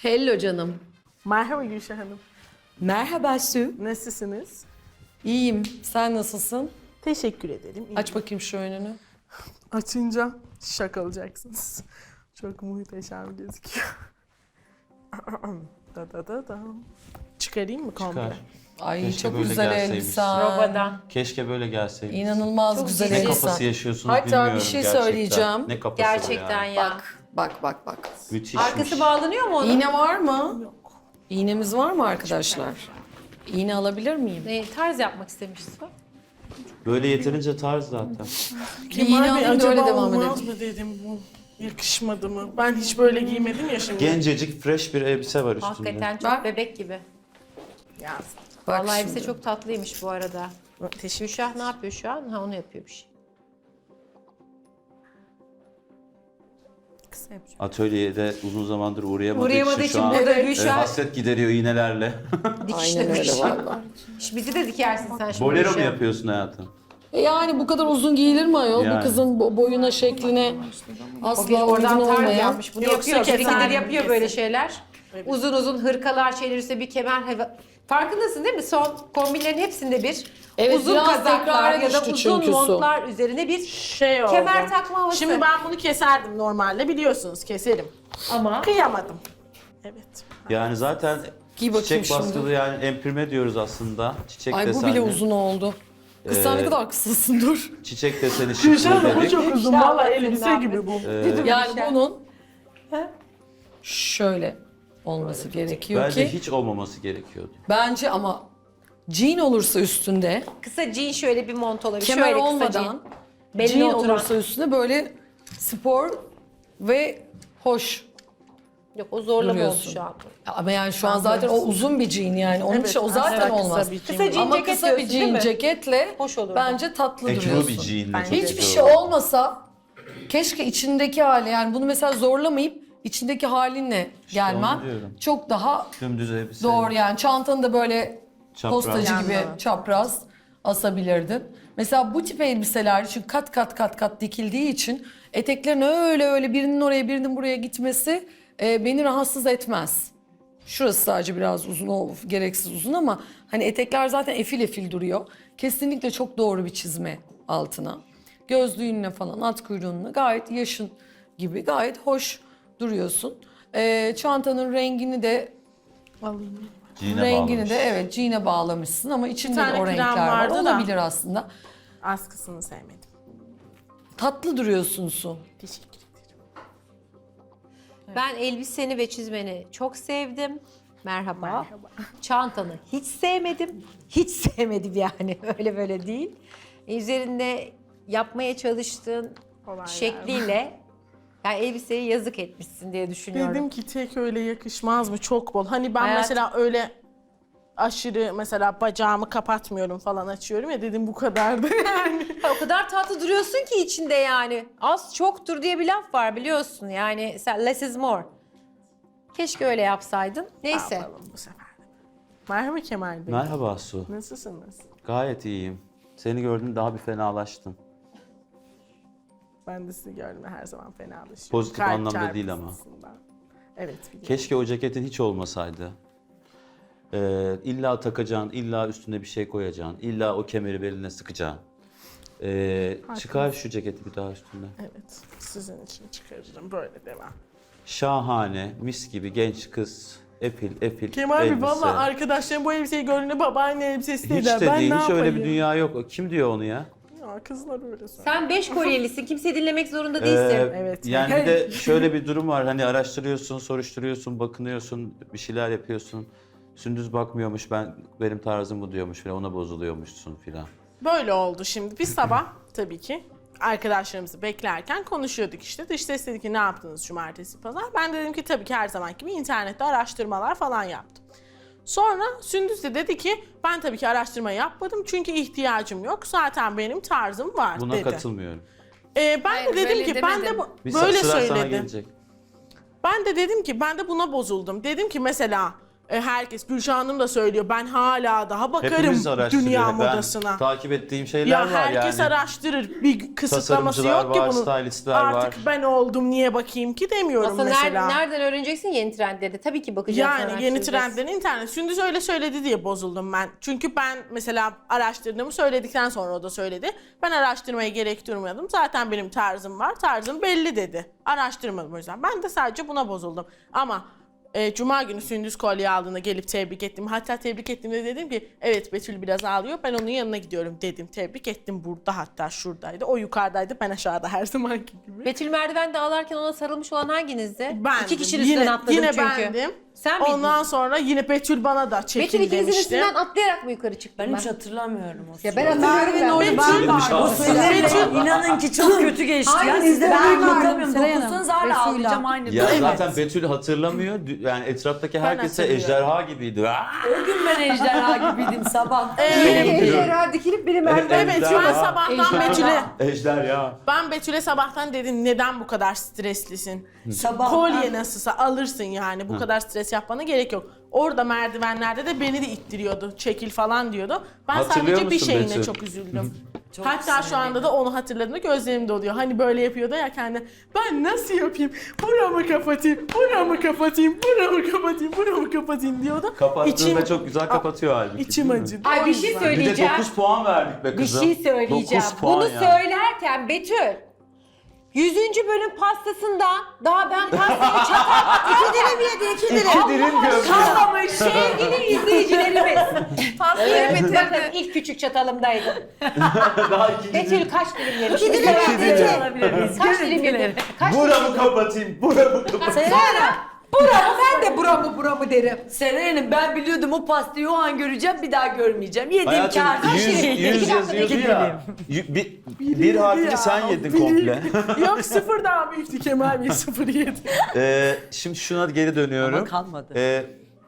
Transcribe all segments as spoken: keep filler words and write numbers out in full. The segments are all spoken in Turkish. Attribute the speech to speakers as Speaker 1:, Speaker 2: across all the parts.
Speaker 1: Hello canım.
Speaker 2: Merhaba Gülşah Hanım.
Speaker 1: Merhaba Su.
Speaker 2: Nasılsınız?
Speaker 1: İyiyim. Sen nasılsın?
Speaker 2: Teşekkür ederim. İyiyim.
Speaker 1: Aç bakayım şu önünü.
Speaker 2: Açınca şak olacaksınız. Çok muhteşem gözüküyor. da da da da. Çıkarayım mı komple?
Speaker 3: Çıkar.
Speaker 1: Ay
Speaker 3: Keşke
Speaker 1: çok
Speaker 3: böyle
Speaker 1: güzel
Speaker 3: gelseymiş.
Speaker 1: elbisen.
Speaker 4: Robadan.
Speaker 3: Keşke böyle gelseydi.
Speaker 1: İnanılmaz
Speaker 4: Çok
Speaker 1: güzel
Speaker 4: ciddi.
Speaker 3: Ne
Speaker 1: elbisen.
Speaker 3: kafası yaşıyorsunuz
Speaker 1: Hatta
Speaker 3: bilmiyorum
Speaker 1: bir şey
Speaker 3: gerçekten.
Speaker 1: söyleyeceğim.
Speaker 3: Ne kafası
Speaker 4: Gerçekten
Speaker 3: o yani.
Speaker 4: ya.
Speaker 1: Bak, bak, bak, bak.
Speaker 3: Müthişmiş.
Speaker 4: Arkası bağlanıyor mu onun?
Speaker 1: İğne var mı?
Speaker 2: Yok.
Speaker 1: İğnemiz var mı arkadaşlar? İğne alabilir miyim?
Speaker 4: Ne, tarz yapmak istemişsin.
Speaker 3: Böyle yeterince tarz zaten.
Speaker 1: Bir iğne alayım da öyle devam
Speaker 2: olmaz
Speaker 1: edelim.
Speaker 2: mı dedim bu. Yakışmadı mı? Ben hiç böyle giymedim ya şimdi.
Speaker 3: Gencecik, fresh bir elbise var üstünde.
Speaker 4: Hakikaten çok
Speaker 1: Bak.
Speaker 4: bebek gibi.
Speaker 2: Ya.
Speaker 1: Bak
Speaker 4: Vallahi
Speaker 1: şimdi.
Speaker 4: elbise çok tatlıymış bu arada.
Speaker 2: Teşekkür
Speaker 4: Gülşah ne yapıyor şu an? Ha onu yapıyormuş.
Speaker 2: Kısa yapacağım.
Speaker 3: Atölyede uzun zamandır uğrayamadığı,
Speaker 4: Uğrayamadığı
Speaker 3: için
Speaker 4: için
Speaker 3: şu an
Speaker 4: burada
Speaker 3: e,
Speaker 4: Gülşah
Speaker 3: hasret gideriyor iğnelerle.
Speaker 1: Aynen
Speaker 4: dikişlemiş.
Speaker 1: öyle valla.
Speaker 4: Bizi de dikersin sen şimdi.
Speaker 3: Bolero mu
Speaker 4: Gülşah.
Speaker 3: yapıyorsun hayatım?
Speaker 1: E yani bu kadar uzun giyilir mi ayol?
Speaker 3: Yani.
Speaker 1: Bu kızın bo- boyuna, şekline
Speaker 4: O
Speaker 1: asla
Speaker 4: bir oradan
Speaker 1: uygun
Speaker 4: tarz
Speaker 1: olmayan.
Speaker 4: yapmış. Bunu
Speaker 2: Yoksa
Speaker 4: yapıyor.
Speaker 2: keser
Speaker 4: Birikidir
Speaker 2: mi?
Speaker 4: yapıyor
Speaker 2: Kesin.
Speaker 4: böyle şeyler.
Speaker 2: Evet.
Speaker 4: Uzun uzun hırkalar şeyler üstüne bir kemer. hava- Farkındasın değil mi? Son kombinlerin hepsinde bir
Speaker 1: Evet,
Speaker 4: uzun
Speaker 1: biraz
Speaker 4: kazaklar
Speaker 1: tekrara
Speaker 4: ya da
Speaker 1: düştü
Speaker 4: uzun
Speaker 1: çünkü su.
Speaker 4: montlar üzerine bir
Speaker 2: Şey oldu.
Speaker 4: kemer takma havası.
Speaker 2: Şimdi ben bunu keserdim normalde biliyorsunuz keserim.
Speaker 4: Ama
Speaker 2: Kıyamadım. Evet.
Speaker 3: Yani zaten
Speaker 1: Giy bakayım
Speaker 3: çiçek
Speaker 1: şimdi.
Speaker 3: baskılı yani emprime diyoruz aslında. Çiçek
Speaker 1: Ay bu
Speaker 3: desenli.
Speaker 1: bile uzun oldu. Kız sen ne
Speaker 3: Ee,
Speaker 1: kadar kısasın dur.
Speaker 3: Çiçek deseni
Speaker 2: Gülşah
Speaker 3: şıklı
Speaker 2: Hanım bu
Speaker 3: dedik.
Speaker 2: çok uzun.
Speaker 4: İnşallah
Speaker 2: Valla
Speaker 4: senin
Speaker 2: elbise
Speaker 4: abi.
Speaker 2: gibi bu.
Speaker 3: Ee,
Speaker 1: Yani bunun şöyle olması gerekiyor
Speaker 3: Bence
Speaker 1: ki.
Speaker 3: hiç olmaması gerekiyordu.
Speaker 1: Bence ama jean olursa üstünde,
Speaker 4: kısa jean şöyle bir mont olabilir.
Speaker 1: kemer
Speaker 4: şöyle kısa
Speaker 1: olmadan
Speaker 4: jean. Belli
Speaker 1: jean
Speaker 4: oturan.
Speaker 1: olursa üstünde böyle spor ve hoş
Speaker 4: Yok o zorlama oldu
Speaker 1: duruyorsun.
Speaker 4: şu an.
Speaker 1: Ama yani şu an zaten o uzun bir jean yani. Onun
Speaker 2: Evet,
Speaker 1: için o zaten
Speaker 2: aslında kısa
Speaker 1: olmaz.
Speaker 2: bir jean.
Speaker 4: Kısa jean
Speaker 1: Ama
Speaker 4: ceket
Speaker 1: kısa bir
Speaker 4: diyorsun, değil
Speaker 1: jean
Speaker 4: mi?
Speaker 1: ceketle
Speaker 4: Hoş olur.
Speaker 1: bence tatlı
Speaker 3: Ekru
Speaker 1: duruyorsun.
Speaker 3: bir jeanle
Speaker 2: Bence
Speaker 3: çok
Speaker 1: Hiçbir
Speaker 3: güzel
Speaker 1: şey
Speaker 3: olur.
Speaker 1: olmasa keşke içindeki hali yani bunu mesela zorlamayıp içindeki halinle gelmen
Speaker 3: onu diyorum.
Speaker 1: çok daha
Speaker 3: Dümdüz elbise.
Speaker 1: doğru yani. Çantanı da böyle
Speaker 3: Çapraz.
Speaker 1: postacı gibi
Speaker 2: Yandan.
Speaker 1: çapraz asabilirdin. Mesela bu tip elbiseler için kat kat kat kat dikildiği için eteklerin öyle öyle birinin oraya birinin buraya gitmesi e, beni rahatsız etmez. Şurası sadece biraz uzun, o gereksiz uzun ama hani etekler zaten efil efil duruyor. Kesinlikle çok doğru bir çizme altına. Gözlüğünle falan, at kuyruğunla gayet yaşın gibi gayet hoş duruyorsun. Ee, çantanın rengini de
Speaker 2: Alayım.
Speaker 3: Jean'e
Speaker 1: rengini
Speaker 3: bağlamış.
Speaker 1: de evet jean'e bağlamışsın ama içinde de
Speaker 2: tane
Speaker 1: o
Speaker 2: krem
Speaker 1: renkler var.
Speaker 2: vardı da.
Speaker 1: Olabilir aslında.
Speaker 2: Askısını sevmedim.
Speaker 1: Tatlı duruyorsun Su.
Speaker 2: Teşekkür ederim.
Speaker 4: Ben elbiseni ve çizmeni çok sevdim. Merhaba.
Speaker 2: Merhaba.
Speaker 4: Çantanı hiç sevmedim. Hiç sevmedim yani. Öyle böyle değil. E, Üzerinde yapmaya çalıştığın
Speaker 2: Olaylar.
Speaker 4: şekliyle yani elbiseye yazık etmişsin diye düşünüyorum.
Speaker 2: Dedim ki tek öyle yakışmaz mı? Çok bol. Hani ben
Speaker 4: Hayat-
Speaker 2: mesela öyle aşırı mesela bacağımı kapatmıyorum falan açıyorum ya dedim bu kadardı yani.
Speaker 4: O kadar tatlı duruyorsun ki içinde yani. Az çoktur diye bir laf var biliyorsun. Yani sen less is more. Keşke öyle yapsaydın. Neyse.
Speaker 2: Yapalım bu sefer de. Merhaba Kemal Bey.
Speaker 3: Merhaba Su.
Speaker 2: Nasılsınız?
Speaker 3: Gayet iyiyim. Seni gördüm daha bir fenalaştım.
Speaker 2: Ben de sizi gördüm her zaman fenalaşıyorum.
Speaker 3: Pozitif
Speaker 2: Kalp
Speaker 3: anlamda değil ama.
Speaker 2: çarpıntısından. Evet biliyorum.
Speaker 3: Keşke o ceketin hiç olmasaydı. Ee, illa takacaksın, illa üstüne bir şey koyacaksın, illa o kemeri beline sıkacaksın. Ee, çıkar şu ceketi bir daha üstüne.
Speaker 2: Evet sizin için çıkarırım böyle devam.
Speaker 3: Şahane, mis gibi genç kız, epil epil
Speaker 2: Kemal Bey
Speaker 3: elbise.
Speaker 2: valla arkadaşlarım bu elbiseyi gördüğünde babaanne elbisesi
Speaker 3: Hiç
Speaker 2: dediler.
Speaker 3: de
Speaker 2: Ben
Speaker 3: değil,
Speaker 2: ne
Speaker 3: hiç öyle bir
Speaker 2: yapayım?
Speaker 3: dünya yok. Kim diyor onu ya?
Speaker 2: Ya kızlar öyle söylüyor.
Speaker 4: Sen beş kolyelisin. Kimseyi dinlemek zorunda değilsin.
Speaker 3: Ee,
Speaker 2: Evet.
Speaker 3: Yani bir de şöyle bir durum var. Hani araştırıyorsun, soruşturuyorsun, bakınıyorsun, bir şeyler yapıyorsun. Sündüz bakmıyormuş, ben benim tarzım bu diyormuş falan, ona bozuluyormuşsun filan.
Speaker 2: Böyle oldu şimdi. Bir sabah tabii ki arkadaşlarımızı beklerken konuşuyorduk işte. Dış ses dedi ki ne yaptınız cumartesi pazar? Ben de dedim ki tabii ki her zamanki gibi internette araştırmalar falan yaptım. Sonra Sündüz de dedi ki ben tabii ki araştırma yapmadım çünkü ihtiyacım yok. Zaten benim tarzım var
Speaker 3: Buna
Speaker 2: dedi.
Speaker 3: katılmıyorum.
Speaker 2: Ee, ben
Speaker 1: Hayır,
Speaker 2: de dedim
Speaker 1: böyle
Speaker 2: ki ben de
Speaker 1: demedim.
Speaker 2: bu-
Speaker 3: Bir
Speaker 2: böyle
Speaker 3: sıra sana
Speaker 2: söyledim.
Speaker 3: gelecek.
Speaker 2: Ben de dedim ki ben de buna bozuldum. Dedim ki mesela E, herkes, Gülşah Hanım da söylüyor. Ben hala daha bakarım
Speaker 3: Hepimiz araştırıyor.
Speaker 2: dünya
Speaker 3: Ben
Speaker 2: modasına.
Speaker 3: takip ettiğim şeyler
Speaker 2: Ya
Speaker 3: var
Speaker 2: herkes
Speaker 3: yani.
Speaker 2: araştırır. Bir kısıtlaması
Speaker 3: Tasarımcılar
Speaker 2: yok ki
Speaker 3: var,
Speaker 2: bunun.
Speaker 3: stylistler
Speaker 2: Artık
Speaker 3: var.
Speaker 2: ben oldum niye bakayım ki demiyorum
Speaker 4: Aslında
Speaker 2: mesela.
Speaker 4: nereden, nereden öğreneceksin yeni trendleri? Tabii ki bakacaksın.
Speaker 2: Yani yeni trendlerin internet. Sündüz öyle söyledi diye bozuldum ben. Çünkü ben mesela araştırdığımı söyledikten sonra o da söyledi. Ben araştırmaya gerek durmadım. Zaten benim tarzım var. Tarzım belli dedi. Araştırmadım o yüzden. Ben de sadece buna bozuldum. Ama e, Cuma günü Sündüz kolye aldığında gelip tebrik ettim. Hatta tebrik ettiğimde dedim ki evet Betül biraz ağlıyor. Ben onun yanına gidiyorum dedim. Tebrik ettim burada, hatta şuradaydı. O yukarıdaydı, ben aşağıda her zamanki gibi.
Speaker 4: Betül merdivende ağlarken ona sarılmış olan hanginizdi?
Speaker 2: Bendim.
Speaker 4: İki kişinin üstünden
Speaker 2: yine,
Speaker 4: atladım
Speaker 2: yine
Speaker 4: çünkü.
Speaker 2: bendim.
Speaker 4: Sen miydin?
Speaker 2: Ondan sonra yine Betül bana da çekil
Speaker 4: Betül ikinizin
Speaker 2: demişti.
Speaker 4: üstünden atlayarak mı yukarı çıktın?
Speaker 5: Ben hiç hatırlamıyorum o
Speaker 4: Ya ben hatırlıyorum.
Speaker 2: Betül-
Speaker 4: Ben
Speaker 3: vardım.
Speaker 5: O süreçler inanın ki çok kötü geçti ya.
Speaker 6: Aynen,
Speaker 5: Siz de
Speaker 6: ben
Speaker 5: ben
Speaker 6: vardım,
Speaker 5: anlatamıyorum.
Speaker 6: Seray Hanım.
Speaker 5: Dokunsanız hala
Speaker 6: Resul'la.
Speaker 5: ağlayacağım aynı.
Speaker 3: Ya
Speaker 5: Evet.
Speaker 3: zaten Betül hatırlamıyor. Dü- Yani etraftaki herkese
Speaker 2: hatırlıyorum.
Speaker 3: ejderha gibiydi. Aa!
Speaker 5: O gün ben ejderha gibiydim sabah.
Speaker 2: Evet.
Speaker 6: Ejderha dikilip biri merdiven.
Speaker 2: Evet, ben sabahtan Betül'e
Speaker 3: Ejder ya.
Speaker 2: ben Betül'e sabahtan dedim neden bu kadar streslisin?
Speaker 5: Sabah.
Speaker 2: Kolye nasılsa alırsın yani. Bu kadar stres yapmana gerek yok. Orada merdivenlerde de beni de ittiriyordu. Çekil falan diyordu. Ben
Speaker 3: Hatırlıyor
Speaker 2: sadece bir
Speaker 3: musun
Speaker 2: şeyine
Speaker 3: Betül?
Speaker 2: çok üzüldüm.
Speaker 5: Çok
Speaker 2: Hatta şu anda da onu hatırladığımda gözlerim doluyor. Hani böyle yapıyordu ya kendi. Ben nasıl yapayım? Buramı kapatayım, buramı kapatayım, buramı kapatayım, buramı kapatayım diyordu.
Speaker 3: Kapattığında çok güzel kapatıyor halbuki.
Speaker 2: İçim
Speaker 3: değil mi?
Speaker 2: acıdı.
Speaker 4: Ay
Speaker 2: O
Speaker 4: bir şey
Speaker 2: yüzden.
Speaker 3: Bir de
Speaker 4: söyleyeceğim.
Speaker 3: dokuz puan verdik be
Speaker 4: Bir
Speaker 3: kızım.
Speaker 4: şey söyleyeceğim.
Speaker 3: dokuz puan
Speaker 4: Bunu
Speaker 3: ya.
Speaker 4: söylerken Betül yüzüncü bölüm pastasından daha ben pastayı çatal iki dilim yedi, iki dilim.
Speaker 3: İki dilim gömdü.
Speaker 4: Kalmamış sevgili izleyicilerimiz. Pastayı bitirdi. İlk küçük çatalımdaydı.
Speaker 3: Daha ikinci
Speaker 4: Betül kaç dilim yedi?
Speaker 6: İki dilim
Speaker 4: Kaç
Speaker 6: yedi.
Speaker 5: Alabilir miyiz?
Speaker 4: Kaç dilim yedi? Kaç dilim
Speaker 3: Buramı kapatayım, buramı kapatayım.
Speaker 4: Sonra buramı ben de buramı buramı derim.
Speaker 5: Seray Hanım ben biliyordum o pastayı o an göreceğim bir daha görmeyeceğim. Yediğim
Speaker 3: Hayatım
Speaker 5: kâr.
Speaker 3: yüz,
Speaker 4: İki
Speaker 3: yüz
Speaker 4: dakika,
Speaker 3: yazıyordu
Speaker 4: iki
Speaker 3: ya. Yü- Bir, bir harfini sen yedin komple.
Speaker 2: Yok sıfır daha büyüktü Kemal Bey, sıfır yedi.
Speaker 3: Ee, şimdi şuna geri dönüyorum.
Speaker 5: Ama kalmadı.
Speaker 3: Ee,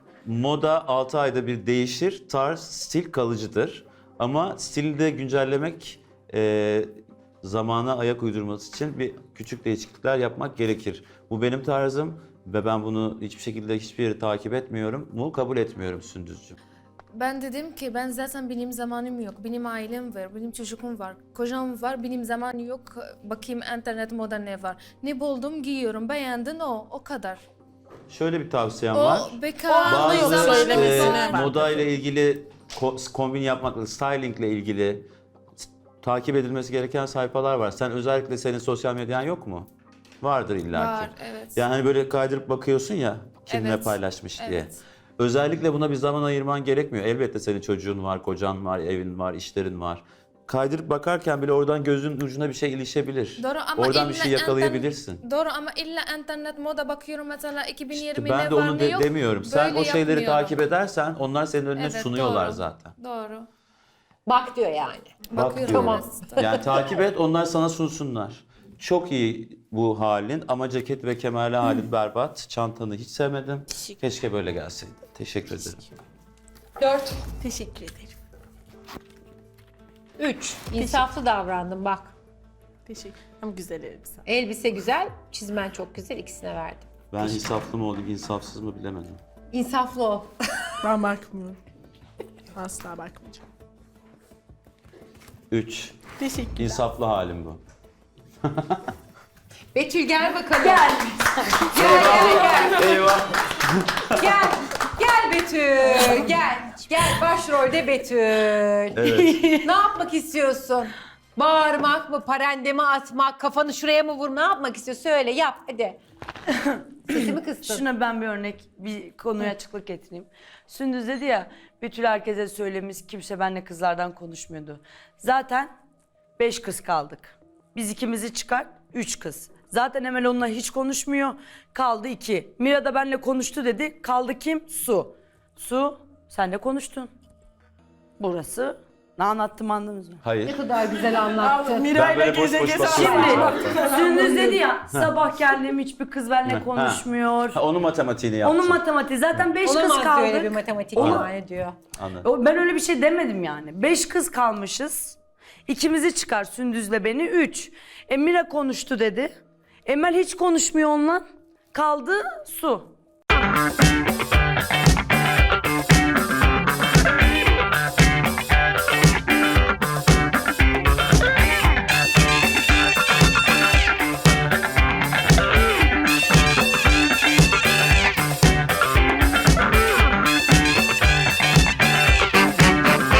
Speaker 3: moda altı ayda bir değişir, tarz, stil kalıcıdır. Ama stili de güncellemek, e, zamana ayak uydurması için bir küçük değişiklikler yapmak gerekir. Bu benim tarzım ve ben bunu hiçbir şekilde hiçbir yeri takip etmiyorum. Bunu kabul etmiyorum Sündüzcüğüm.
Speaker 7: Ben dedim ki ben zaten benim zamanım yok. Benim ailem var, benim çocuğum var, kocam var, benim zamanım yok. Bakayım internet moda ne var. Ne buldum giyiyorum, beğendin o, o kadar.
Speaker 3: Şöyle bir tavsiyem
Speaker 7: O
Speaker 3: var.
Speaker 7: bekar,
Speaker 2: Bana yok
Speaker 3: Bazı
Speaker 7: zamanı
Speaker 2: söylemesine
Speaker 3: e,
Speaker 7: var.
Speaker 3: moda ile ilgili ko- kombin yapmakla, stylingle ilgili s- takip edilmesi gereken sayfalar var. Sen özellikle senin sosyal medyan yok mu? Vardır illaki.
Speaker 7: Var, evet.
Speaker 3: Yani hani böyle kaydırıp bakıyorsun ya kim ne
Speaker 7: Evet,
Speaker 3: paylaşmış diye.
Speaker 7: evet.
Speaker 3: Özellikle buna bir zaman ayırman gerekmiyor. Elbette senin çocuğun var, kocan var, evin var, işlerin var. Kaydırıp bakarken bile oradan gözün ucuna bir şey ilişebilir.
Speaker 7: Doğru ama
Speaker 3: Oradan bir
Speaker 7: illa
Speaker 3: şey yakalayabilirsin.
Speaker 7: internet- Doğru ama illa internet moda bakıyorum mesela iki bin yirmi
Speaker 3: İşte
Speaker 7: ne
Speaker 3: ben de
Speaker 7: var
Speaker 3: onu
Speaker 7: ne
Speaker 3: de-
Speaker 7: yok.
Speaker 3: demiyorum. Sen
Speaker 7: Böyle
Speaker 3: o şeyleri
Speaker 7: yapmıyorum.
Speaker 3: takip edersen onlar senin önüne
Speaker 7: Evet,
Speaker 3: sunuyorlar
Speaker 7: doğru.
Speaker 3: zaten.
Speaker 7: Doğru.
Speaker 4: Bak diyor yani.
Speaker 3: Bak
Speaker 7: Bakıyorum.
Speaker 3: diyorum.
Speaker 7: evet.
Speaker 3: Yani takip et, onlar sana sunsunlar. Çok iyi bu halin ama ceket ve kemerli halin berbat. Çantanı hiç sevmedim. Keşke böyle gelseydin. Teşekkür ederim.
Speaker 4: Dört.
Speaker 2: Teşekkür ederim.
Speaker 4: Üç. İnsaflı davrandım bak.
Speaker 2: Teşekkür. Ama güzel elbise.
Speaker 4: Elbise güzel, çizmen çok güzel. İkisine verdim.
Speaker 3: Ben insaflı mı olayım, insafsız mı bilemedim.
Speaker 4: İnsaflı ol.
Speaker 2: Ben bakmıyorum. Asla bakmayacağım.
Speaker 3: Üç.
Speaker 2: Teşekkürler.
Speaker 3: İnsaflı halim bu.
Speaker 4: Betül gel bakalım. Gel. gel gel gel.
Speaker 3: Eyvah.
Speaker 4: Gel. Gel Betül. Gel. Gel başrolde Betül.
Speaker 3: Evet.
Speaker 4: Ne yapmak istiyorsun? Bağırmak mı, parendemi atmak, kafanı şuraya mı vurma, ne yapmak istiyorsun? Söyle, yap hadi. Sesimi kıstın.
Speaker 5: Şuna ben bir örnek, bir konuya açıklık getireyim. Sündüz dedi ya, Betül herkese söylemiş, kimse benimle kızlardan konuşmuyordu. Zaten beş kız kaldık. Biz ikimizi çıkar, üç kız. Zaten Emel onunla hiç konuşmuyor, kaldı iki. Mira da benimle konuştu dedi, kaldı kim? Su. Su, sen de konuştun. Burası, ne anlattım anladınız mı?
Speaker 3: Hayır.
Speaker 4: Ne kadar güzel anlattın.
Speaker 2: Miray'la
Speaker 3: Ben böyle boş
Speaker 2: geze
Speaker 3: boş
Speaker 2: geze
Speaker 3: bakıyorum.
Speaker 2: anlatmak.
Speaker 5: Sündüz dedi ya, sabah geldim hiçbir kız benimle konuşmuyor.
Speaker 3: Ha, onun matematiğini yaptın.
Speaker 5: Onun matematiği, zaten beş kız
Speaker 4: Olamaz
Speaker 5: kaldık.
Speaker 4: öyle bir matematik
Speaker 5: Onu-
Speaker 4: yani diyor.
Speaker 3: Anladım.
Speaker 5: O- Ben öyle bir şey demedim yani. Beş kız kalmışız. İkimizi çıkar Sündüz'le beni. Üç. Emira konuştu dedi. Emel hiç konuşmuyor onunla. Kaldı Su.